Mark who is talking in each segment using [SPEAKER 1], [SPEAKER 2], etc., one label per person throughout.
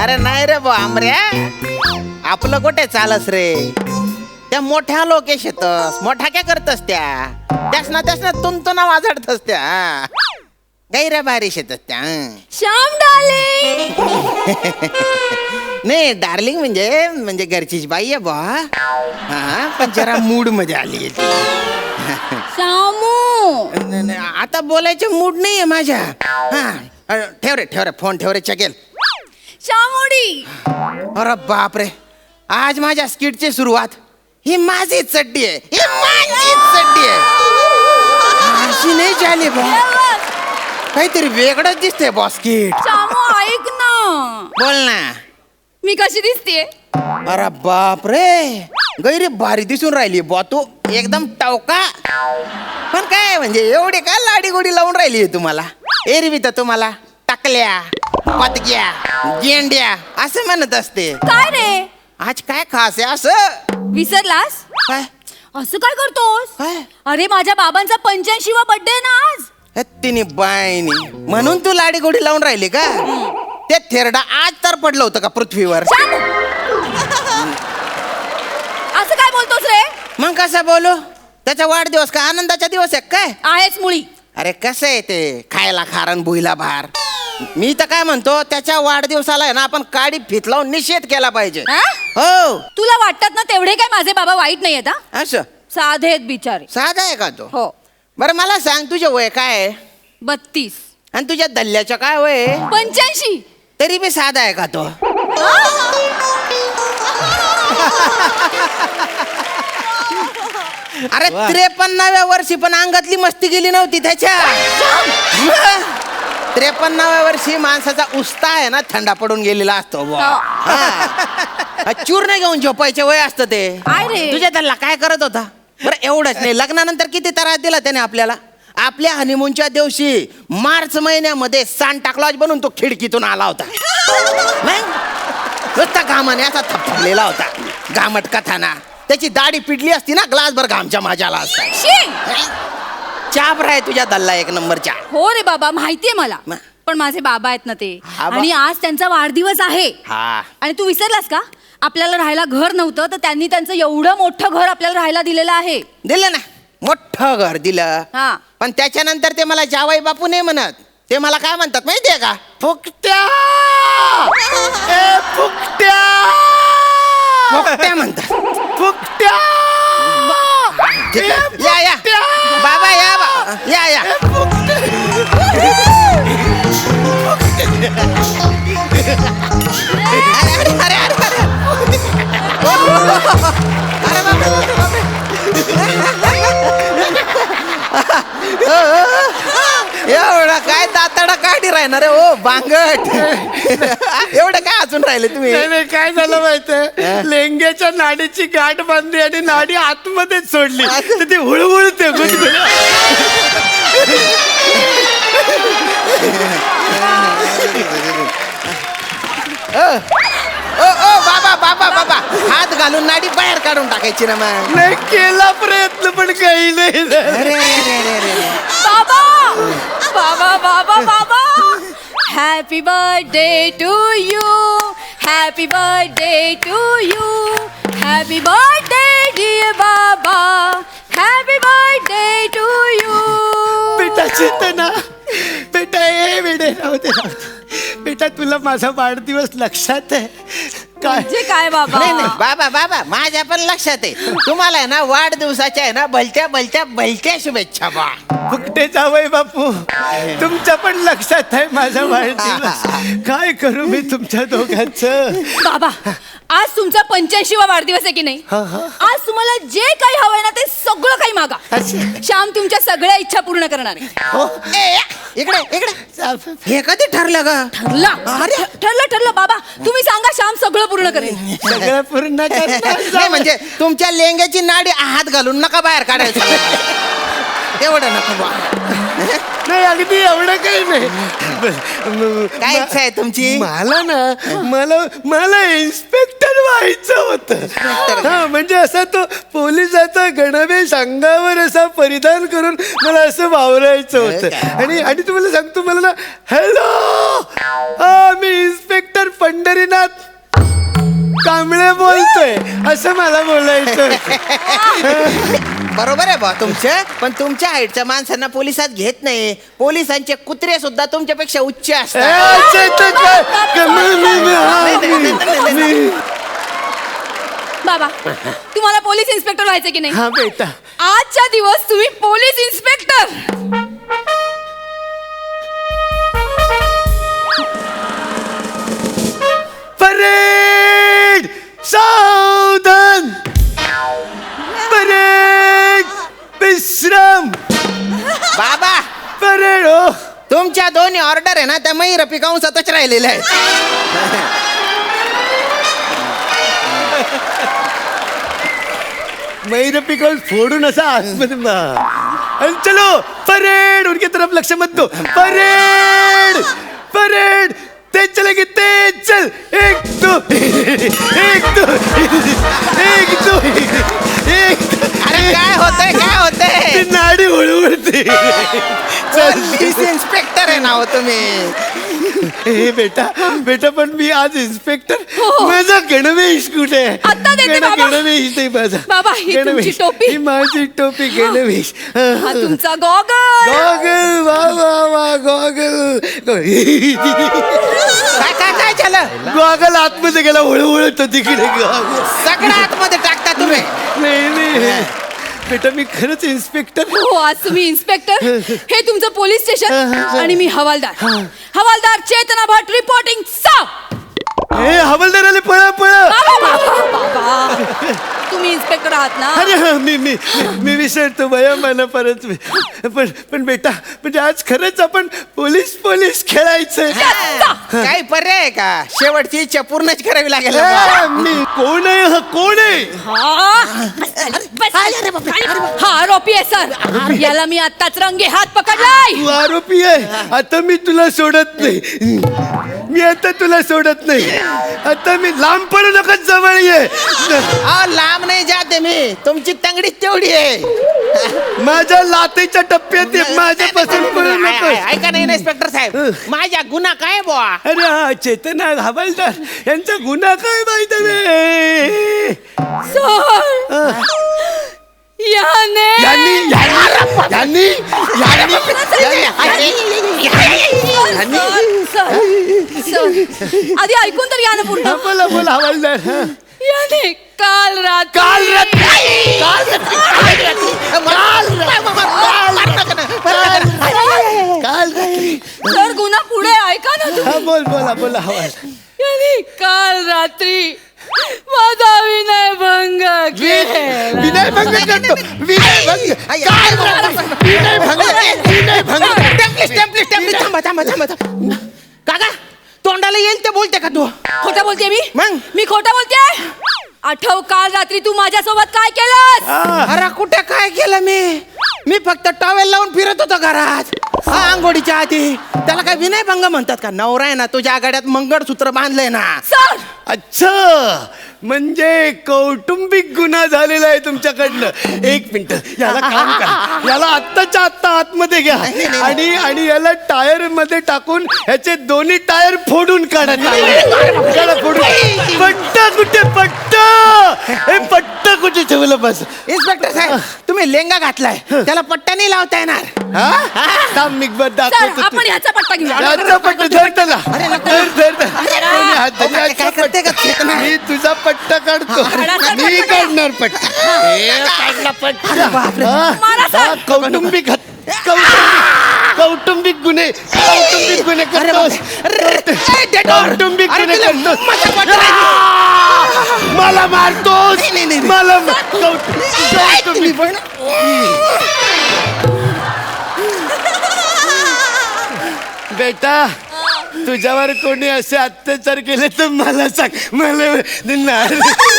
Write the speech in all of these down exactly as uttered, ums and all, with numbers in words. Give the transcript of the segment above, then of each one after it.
[SPEAKER 1] अरे नाही रे बा आमऱ्या, आपलं कुठे चालस रे. त्या मोठ्या लोकेश येतस, मोठ्या काय करतस त्या त्यास ना त्यास ना तुम तो ना वाजडतस त्या गैऱ्या बारीश येतस त्या.
[SPEAKER 2] श्याम डार्लिंग.
[SPEAKER 1] नाही डार्लिंग म्हणजे म्हणजे घरचीच बाई आहे बा. हा पण जरा मूड मध्ये आली.
[SPEAKER 2] श्यामू
[SPEAKER 1] न- न- आता बोलायचे मूड नाहीये माझ्या. हा ठेव रे ठेव रे फोन ठेव रे चकेल.
[SPEAKER 2] श्यामोडी.
[SPEAKER 1] अरे बापरे, आज माझ्या स्किटची सुरुवात ही माझी चड्डी आहे, ही माझी चड्डी आहे. अशी नाही झाली बा, काहीतरी वेगळंच दिसतंय बॉस स्किट.
[SPEAKER 2] श्यामू ऐक ना,
[SPEAKER 1] बोल ना.
[SPEAKER 2] मी कशी दिसतेय?
[SPEAKER 1] अरे बापरे, गैरी भारी दिसून राहिली बॉ तू, एकदम टवका. पण काय म्हणजे एवढी काय लाडी गोडी लावून राहिली तुम्हाला? एरवी तर तुम्हाला टाकल्या पतक्या गेंड्या असं म्हणत असते.
[SPEAKER 2] काय रे,
[SPEAKER 1] आज काय खास आहे असं?
[SPEAKER 2] विसरलास?
[SPEAKER 1] काय
[SPEAKER 2] असं काय करतोस?
[SPEAKER 1] काय
[SPEAKER 2] अरे माझ्या बाबांचा पंच्याऐंशीवा बर्थडे ना आज.
[SPEAKER 1] तिने बायनी म्हणून तू लाडी गोडी लावून राहिली का? ते थेरडा आज तर पडलं होतं का पृथ्वीवर?
[SPEAKER 2] श्यामू, असं काय बोलतोस रे?
[SPEAKER 1] मग कसं बोलू? त्याचा वाढदिवस का आनंदाचा दिवस आहे काय?
[SPEAKER 2] आहेच मुळी.
[SPEAKER 1] अरे कसं आहे ते, खायला खारण भुईला भार. मी तर काय म्हणतो, त्याच्या वाढदिवसाला आहे ना आपण काडी फित लावून निषेध केला पाहिजे.
[SPEAKER 2] हा?
[SPEAKER 1] हो
[SPEAKER 2] तुला वाटतात ना तेवढे काय माझे बाबा वाईट नाही आहेत?
[SPEAKER 1] असं
[SPEAKER 2] साधे आहेत बिचारे.
[SPEAKER 1] साधा आहे का तो?
[SPEAKER 2] हो.
[SPEAKER 1] बरं मला सांग, तुझे वय काय आहे
[SPEAKER 2] बत्तीस.
[SPEAKER 1] आणि तुझ्या दल्ल्याचं काय वय आहे?
[SPEAKER 2] पंच्याऐंशी.
[SPEAKER 1] तरी बी साधा आहे का तो? अरे त्रेपन्नाव्या वर्षी पण अंगातली मस्ती गेली नव्हती त्याच्या. त्रेपन्नाव्या वर्षी माणसाचा उस्ता आहे ना थंडा पडून गेलेला असतो बुवा. हा. चूर्ण घेऊन झोपायचे वय असतं ते.
[SPEAKER 2] काय रे?
[SPEAKER 1] तुझ्या त्याला काय करत होता? बरं एवढंच नाही, लग्नानंतर किती त्रास दिला त्याने आपल्याला. आपल्या हनीमूनच्या दिवशी मार्च महिन्यामध्ये सांता क्लॉज बनून तो खिडकीतून आला होता. नाही? नुसता घामाने असा थपथपलेला होता, घामट कथाना. त्याची दाढी पिडली असती ना, ग्लासभर घामच्या माझ्याला असता.
[SPEAKER 2] शी!
[SPEAKER 1] चाप राय तुझ्या दल्ला एक नंबरच्या.
[SPEAKER 2] हो रे बाबा, माहितीये मला.
[SPEAKER 1] म-
[SPEAKER 2] पण माझे बाबा आहेत ना ते,
[SPEAKER 1] हा बा-
[SPEAKER 2] आणि आज त्यांचा वाढदिवस आहे.
[SPEAKER 1] हा
[SPEAKER 2] आणि तू विसरलास का? आपल्याला राहायला घर नव्हतं तर त्यांनी त्यांचं एवढं मोठं घर आपल्याला राहायला दिलेलं आहे.
[SPEAKER 1] दिलं ना, मोठं घर दिलं.
[SPEAKER 2] हा.
[SPEAKER 1] पण त्याच्यानंतर ते मला जावाई बापू नाही म्हणत, ते मला काय म्हणतात माहितीये का? फुकट्या ए फुकट्या फुकट्या म्हणतात. फुकट्या या या बाबा या बा या या. अरे अरे अरे अरे अरे अरे बापरे बापरे बापरे. एवढा काय दाताडा काढी राहणार आहे ओ बांगट. एवढं काय अजून राहिले तुम्ही?
[SPEAKER 3] नाही नाही, काय झालं माहितीये, लेंग्याच्या नाडीची गाठ बांधली आणि नाडी आतमध्येच सोडली तर ती हुळहुळते गुदगुड.
[SPEAKER 1] ओ ओ बाबा बाबा बाबा, हात घालून नाडी बाहेर काढून टाकायची ना मग.
[SPEAKER 3] नाही केला प्रयत्न पण काही नाही.
[SPEAKER 1] अरे अरे अरे अरे
[SPEAKER 2] बाबा बाबा बाबा बाबा, happy birthday to you, happy birthday to you, happy birthday dear बाबा, हॅपी बर्थडे टू यू.
[SPEAKER 3] बेटा चेतना, बेटा ए बेटे राहते राहते. बेटा तुला माझा वाढदिवस लक्षात आहे काय?
[SPEAKER 2] म्हणजे काय बाबा?
[SPEAKER 1] नाही नाही बाबा बाबा, माझ्या पण लक्षात आहे. तुम्हाला आहे ना वाढदिवसाच्या आहे ना भलत्या भलत्या भलत्या शुभेच्छा बा.
[SPEAKER 3] फुकटे जावई बापू, तुमच्या पण लक्षात आहे माझा वाढदिवस. काय करू मी तुमच्या दोघांचं?
[SPEAKER 2] बाबा, आज तुमचा पंच्याऐंशीवा वाढदिवस आहे की नाही? आज तुम्हाला जे काही हवंय ना ते सगळं काही मागा. श्याम तुमच्या सगळ्या इच्छा पूर्ण करणार आहे.
[SPEAKER 1] ए, इकडे इकडे. हे कधी ठरलं ग?
[SPEAKER 2] ठरला? अरे ठरलं ठरलं बाबा, तुम्ही सांगा, श्याम सगळं पूर्ण करेल.
[SPEAKER 3] सगळं पूर्ण करणार.
[SPEAKER 1] नाही म्हणजे तुमच्या लेंग्याची नाडी हात घालून नका बाहेर काढायचं. एवढं नको बा.
[SPEAKER 3] नाही अगदी एवढं काही नाही.
[SPEAKER 1] काय इच्छा आहे तुमची?
[SPEAKER 3] मला ना मला मला इन्स्पेक्टर व्हायचं होतं. हा म्हणजे असा तो पोलिसाचा गणवेश अंगावर असा परिधान करून मला असं वावरायचं होतं. आणि आणि तुम्हाला सांगतो, मला ना हॅलो हा मी इन्स्पेक्टर पंडित पंढरीनाथ कांबळे बोलतोय असं मला बोलायचं
[SPEAKER 1] बरोबर आहे बा तुमचं, पण तुमच्या हाईटच्या माणसांना पोलिसात घेत नाही. पोलिसांचे कुत्रे सुद्धा तुमच्यापेक्षा उच्च
[SPEAKER 3] ए,
[SPEAKER 1] असतात.
[SPEAKER 3] अच्छा, तर काय? कमी- मी- मी- हा, मी- मी-
[SPEAKER 2] बाबा तुम्हाला पोलीस इन्स्पेक्टर व्हायचं की नाही?
[SPEAKER 3] हा बेटा,
[SPEAKER 2] आजच्या दिवस तुम्ही पोलीस इन्स्पेक्टर.
[SPEAKER 3] परेड सावधान, परेड विश्राम,
[SPEAKER 1] बाबा
[SPEAKER 3] परेड हो.
[SPEAKER 1] तुमच्या दोन्ही ऑर्डर आहे ना त्या मयूर पिकांसातच राहिलेल्या आहेत.
[SPEAKER 3] मैर पिकल फोडून असा आतमध्ये मा- आणि चलो परेड उनके तरफ लक्ष्य मत दो. परेड परेड तेज चलेगी, तेज चल. एक दो एक दो एक दो एक दो.
[SPEAKER 1] अरे काय होतंय काय
[SPEAKER 3] ती
[SPEAKER 1] होतंय?
[SPEAKER 3] नाडी उडवडते.
[SPEAKER 1] पोलीस इन्स्पेक्टर आहे ना हो तुम्ही.
[SPEAKER 3] हे बेटा बेटा पण मी आज इन्स्पेक्टर.
[SPEAKER 2] हो.
[SPEAKER 3] माझा गणवेश कुठे आहे?
[SPEAKER 2] आत्ता देते
[SPEAKER 3] गण-
[SPEAKER 2] बाबा.
[SPEAKER 3] गणवेश नाही माझा.
[SPEAKER 2] बाबा, ही तुमची
[SPEAKER 3] गणवेश.
[SPEAKER 2] टोपी.
[SPEAKER 3] ही माझी टोपी गणवेश.
[SPEAKER 2] हा तुमचा गॉगल.
[SPEAKER 3] गॉगल वा वा वा गॉगल.
[SPEAKER 1] काय काय काय झालं?
[SPEAKER 3] गॉगल आतमध्ये गेला हळूहळू तिकडे गॉगल.
[SPEAKER 1] सगळं आतमध्ये टाकता तुम्ही.
[SPEAKER 3] नाही नाही बेटा मी खरंच इन्स्पेक्टर.
[SPEAKER 2] हो आज तुम्ही इन्स्पेक्टर, हे तुमचं पोलीस स्टेशन आणि मी हवालदार. हवालदार चेतना भट रिपोर्टिंग साप.
[SPEAKER 3] हे हवालदार आले, पळा पळा.
[SPEAKER 2] बाबा, बाबा, बाबा. तुम्ही इन्स्पेक्टर आहात ना?
[SPEAKER 3] अरे हा, मी मी मी विसरतो भया मला परत. पण पण बेटा म्हणजे आज खरंच आपण पोलीस पोलीस खेळायचंय.
[SPEAKER 1] काही पर्याय आहे का? शेवटची इच्छा पूर्णच करावी लागेल ना
[SPEAKER 3] ए,
[SPEAKER 1] बा.
[SPEAKER 3] मी कोण आहे हा कोण आहे?
[SPEAKER 2] हा? हा आरोपी आहे सर. याला मी आत्ताच रंगे हात पकडलाय.
[SPEAKER 3] तू आरोपी आहे. आता मी तुला सोडत नाही. मी आता तुला सोडत नाही. आता मी लांब पडू नका, जवळ ये.
[SPEAKER 1] अहो, लांब नाही जाते मी. तुमची तंगडी तेवढी आहे.
[SPEAKER 3] माझ्या लातेच्या टप्प्यात ये. माझ्यापासून पडू नको.
[SPEAKER 1] ऐका नाही इन्स्पेक्टर साहेब, माझ्या गुन्हा काय बुवा?
[SPEAKER 3] अरे हा चेतना हवालदार यांचा गुन्हा काय माहिती आहे?
[SPEAKER 2] सर याने
[SPEAKER 3] यांनी यांनी यांनी यांनी
[SPEAKER 2] सर, सर, आधी ऐकून तर या ना पूर्ण.
[SPEAKER 3] हा, बोला बोला हवालदार. हा.
[SPEAKER 2] याने काल रात्री
[SPEAKER 3] काल रात्री काल रात्री काल रात्री
[SPEAKER 2] सर गुन्हा पुढे ऐका ना तुम्ही.
[SPEAKER 3] हा बोल बोला बोला हवालदार.
[SPEAKER 2] याने काल रात्री माझा विनय भंग केला.
[SPEAKER 3] विनय भंग करतो. विनय भंग काल रात्री विनय भंग विनय भंग.
[SPEAKER 1] टेम्पलिस टेम्पलिस टेम्पलिस थांबा थांबा थांबा थांबा. काका तोंडाला येईल ते बोलते का तू?
[SPEAKER 2] खोटं बोलते मी?
[SPEAKER 1] मग?
[SPEAKER 2] मी खोटं बोलते? आठव काल रात्री तू माझ्यासोबत काय केलंस?
[SPEAKER 1] अरे कुठे काय केलं मी? मी फक्त टॉवेल लावून फिरत होतो घरात. हा आंघोळीच्या आधी. त्याला काय विनय भंग म्हणतात का? नवरा आहे ना तुझ्या आघाड्यात मंगळसूत्र बांधलंय ना.
[SPEAKER 2] सर
[SPEAKER 3] अच्छा म्हणजे कौटुंबिक गुन्हा झालेला आहे तुमच्याकडनं. एक मिनिट याला काम करा. याला आत्ताच्या आत्ता आतमध्ये घ्या
[SPEAKER 1] नाही, नाही,
[SPEAKER 3] आणि आणि याला टायर मध्ये टाकून ह्याचे दोन्ही टायर फोडून काढा. त्याला फोडून. पट्टा कुठे पट्टा? हे पट्टा कुठे ठेवलं बस?
[SPEAKER 1] इन्स्पेक्टर साहेब तुम्ही लेंगा घातलाय, त्याला पट्टा नाही लावता येणार.
[SPEAKER 3] हा थांब मी बघ
[SPEAKER 2] सर
[SPEAKER 3] दाखवतो.
[SPEAKER 2] आपण ह्याचा पट्टा घेऊया.
[SPEAKER 3] याचा पट्टा धर त्याला. धर धर धर. दोन्ही हात धर.
[SPEAKER 1] काय- काय
[SPEAKER 3] याचा
[SPEAKER 1] करते का?
[SPEAKER 3] पट्टा. मी तुझा पट्टा काढतो.
[SPEAKER 2] हाडाचा
[SPEAKER 3] मी
[SPEAKER 2] पट्टा.
[SPEAKER 3] काढणार पट्टा. हे काढला पट्टा. हा,
[SPEAKER 2] मारा सर.
[SPEAKER 3] हा, कौटुंबिक हत- कौटुंबिक कौटुंबिक गुन्हे कौटुंबिक गुन्हे करतो. कौटुंबिक गुन्हे करतो. मला मारतोस.
[SPEAKER 1] नाही, नाही, नाही.
[SPEAKER 3] मला मा- कौटुंबिक कौटुंबिक बेटा तुझ्यावर कोणी असे अत्याचार केले तर मला सांग. मला नाही.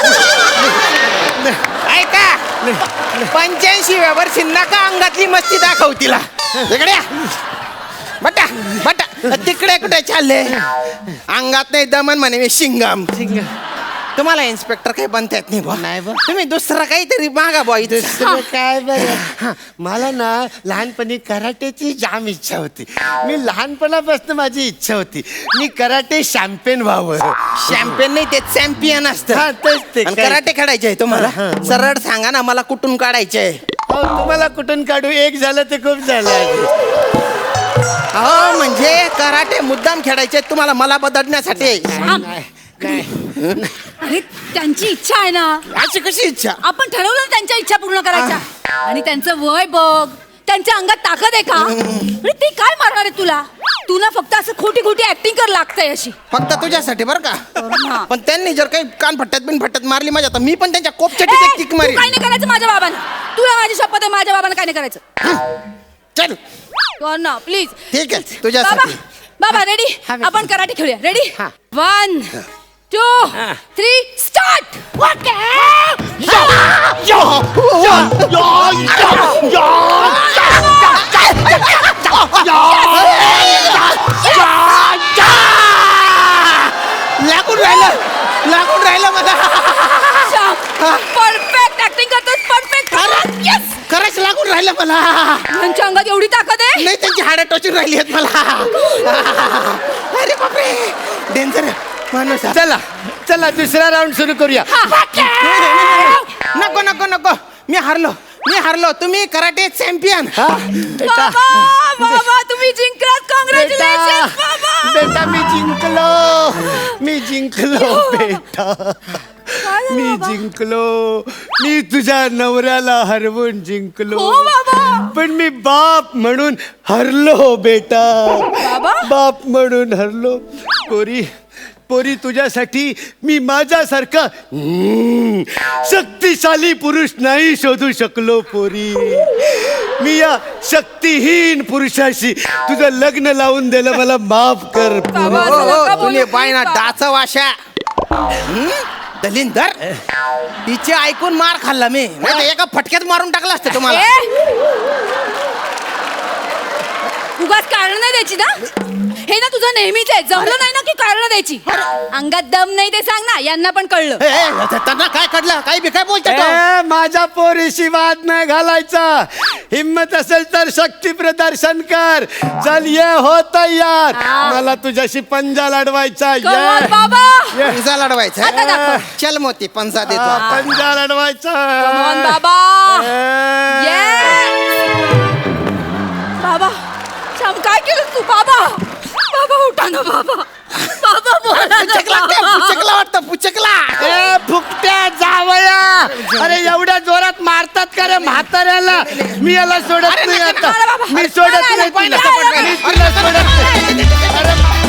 [SPEAKER 1] ऐका पंच्याऐंशी वर्षी नका अंगातली मस्ती दाखव तिला. इकडे या. बटा बटा तिकडे कुठे चालले? अंगात नाही दमन म्हणे मी शिंगम. तुम्हाला इन्स्पेक्टर काही बनता येत नाही बुवा.
[SPEAKER 3] नाही बुवा.
[SPEAKER 1] तुम्ही दुसरं काहीतरी मागा बुवा इथे.
[SPEAKER 3] दुसरं काय बरं हा, मला ना लहानपणी कराटेची जाम इच्छा होती. मी लहानपणापासून माझी इच्छा होती मी कराटे चॅम्पियन व्हावं.
[SPEAKER 1] चॅम्पियन नाही ते चॅम्पियन असतं.
[SPEAKER 3] हा, तेच ते.
[SPEAKER 1] आणि कराटे खेळायचे आहे तुम्हाला.
[SPEAKER 3] हा, हा.
[SPEAKER 1] सरळ सांगा ना मला कुठून काढायचे आहे.
[SPEAKER 3] अहो, तुम्हाला कुठून काढू एक झालं ते खूप झालं.
[SPEAKER 1] हो म्हणजे कराटे मुद्दाम खेळायचे आहेत तुम्हाला मला बदलण्यासाठी.
[SPEAKER 2] श्याम,
[SPEAKER 3] नाही
[SPEAKER 2] अरे त्यांची इच्छा आहे ना,
[SPEAKER 1] अशी कशी इच्छा.
[SPEAKER 2] आपण ठरवलं ना त्यांच्या इच्छा पूर्ण करायच्या. आणि त्यांचं वय बघ, त्यांच्या अंगात ताकद आहे का? अरे ते काय मारणार आहे तुला? तू ना फक्त असं खोटी खोटी ऍक्टिंग कर लागतंय अशी.
[SPEAKER 1] फक्त तुझ्यासाठी बरं
[SPEAKER 2] हा.
[SPEAKER 1] का. पण त्यांनी जर काही कान फट्ट्यात बिन फट्ट्यात मारली माझ्या तर मी पण त्यांच्या
[SPEAKER 2] ए,
[SPEAKER 1] कोपच्याची एक किक
[SPEAKER 2] तू
[SPEAKER 1] मारी.
[SPEAKER 2] काय नाही करायचं माझ्या बाबांना. तुला माझी शपथ आहे, माझ्या बाबांना काय नाही करायचं.
[SPEAKER 1] चल
[SPEAKER 2] कर ना प्लीज.
[SPEAKER 1] ठीक आहे
[SPEAKER 2] बाबा
[SPEAKER 1] तुझ्यासाठी.
[SPEAKER 2] बाबा रेडी?
[SPEAKER 3] हा, मी-
[SPEAKER 2] आपण कराटे खेळूया. रेडी?
[SPEAKER 3] हा.
[SPEAKER 2] One two three start.
[SPEAKER 1] लागून राहिलं लागून राहिलं मला.
[SPEAKER 2] परफेक्ट ऍक्टिंग करतोस. परफेक्ट. येस.
[SPEAKER 1] खरंच लागून राहिलं मला.
[SPEAKER 2] त्यांच्या अंगात एवढी ताकद आहे.
[SPEAKER 1] नाही त्यांची हाडं टोचून राहिली आहेत मला. अरे बापरे डेंजर माणूस आहे.
[SPEAKER 3] चला चला दुसरा राऊंड सुरू करूया.
[SPEAKER 1] नको नको नको मी हारलो मी हारलो. तुम्ही कराटे चॅम्पियन.
[SPEAKER 3] हा? बेटा
[SPEAKER 2] बाबा बाबा तुम्ही जिंकलात. कॉंग्रॅच्युलेशन
[SPEAKER 3] बेटा
[SPEAKER 2] बाबा.
[SPEAKER 3] बेटा मी जिंकलो मी जिंकलो बेटा
[SPEAKER 2] काय झालं
[SPEAKER 3] मी
[SPEAKER 2] बाबा?
[SPEAKER 3] जिंकलो. मी तुझ्या नवऱ्याला हरवून जिंकलो.
[SPEAKER 2] हो बाबा.
[SPEAKER 3] पण मी बाप म्हणून हरलो बेटा.
[SPEAKER 2] बाबा?
[SPEAKER 3] बाप म्हणून हरलो. पोरी पोरी तुझ्यासाठी मी माझ्यासारखा हम्म, शक्तिशाली पुरुष नाही शोधू शकलो. पोरी मी या शक्तिहीन पुरुषाशी तुझं लग्न लावून दिलं मला माफ कर. पोरी.
[SPEAKER 2] बाबा,
[SPEAKER 1] हो,
[SPEAKER 2] असं
[SPEAKER 1] हो,
[SPEAKER 2] नका बोलू
[SPEAKER 1] तुम्ही बाय ना
[SPEAKER 2] please.
[SPEAKER 1] डाच वाशा. हं? दलिंदर तिचे ऐकून मार खाल्ला मी. नाही तर एका फटक्यात मारून टाकला असतं तुम्हाला.
[SPEAKER 2] ए! उगाच कारण नाही द्यायची ना. हे ना तुझं नेहमीच आहे. जमलं नाही ना की कारण द्यायची. अंगात दम नाही ते सांग ना. यांना पण कळलं.
[SPEAKER 1] ए, ए, त्यांना काय कळलं काही बी काय बोलतो तो?
[SPEAKER 3] ए, माझ्या पोरीशी वाद नाही घालायचा. हिम्मत असेल तर शक्ती प्रदर्शन कर. चल ये हो तयार.
[SPEAKER 2] हा.
[SPEAKER 3] मला तुझ्याशी पंजा लढवायचा.
[SPEAKER 2] Come on,
[SPEAKER 3] ये
[SPEAKER 2] बाबा.
[SPEAKER 3] ये.
[SPEAKER 1] पंजा लढवायचा
[SPEAKER 2] आता दाखव.
[SPEAKER 1] चल मोती पंजा देतो.
[SPEAKER 3] हा, पंजा लढवायचा.
[SPEAKER 2] Come on, बाबा.
[SPEAKER 3] ए.
[SPEAKER 2] Yes. बाबा श्याम काय केलं तू? बाबा बाबा उठा ना बाबा. बाबा बोला ना
[SPEAKER 1] पुचकला ते,
[SPEAKER 2] बाबा.
[SPEAKER 1] पुचकला वाटतं पुचकला.
[SPEAKER 3] ए फुकट्या जावया. अरे एवढ्या जोरात मारतात का रे म्हाताऱ्याला. मी याला सोडत
[SPEAKER 1] अरे
[SPEAKER 3] नाही
[SPEAKER 1] नका,
[SPEAKER 3] आता.
[SPEAKER 2] नका, बाबा.
[SPEAKER 3] मी सोडत
[SPEAKER 2] नाही,
[SPEAKER 3] नाही
[SPEAKER 2] नाही,
[SPEAKER 3] तुला.
[SPEAKER 2] नाही, नाही,
[SPEAKER 3] मी तुला सोडत नाही. अरे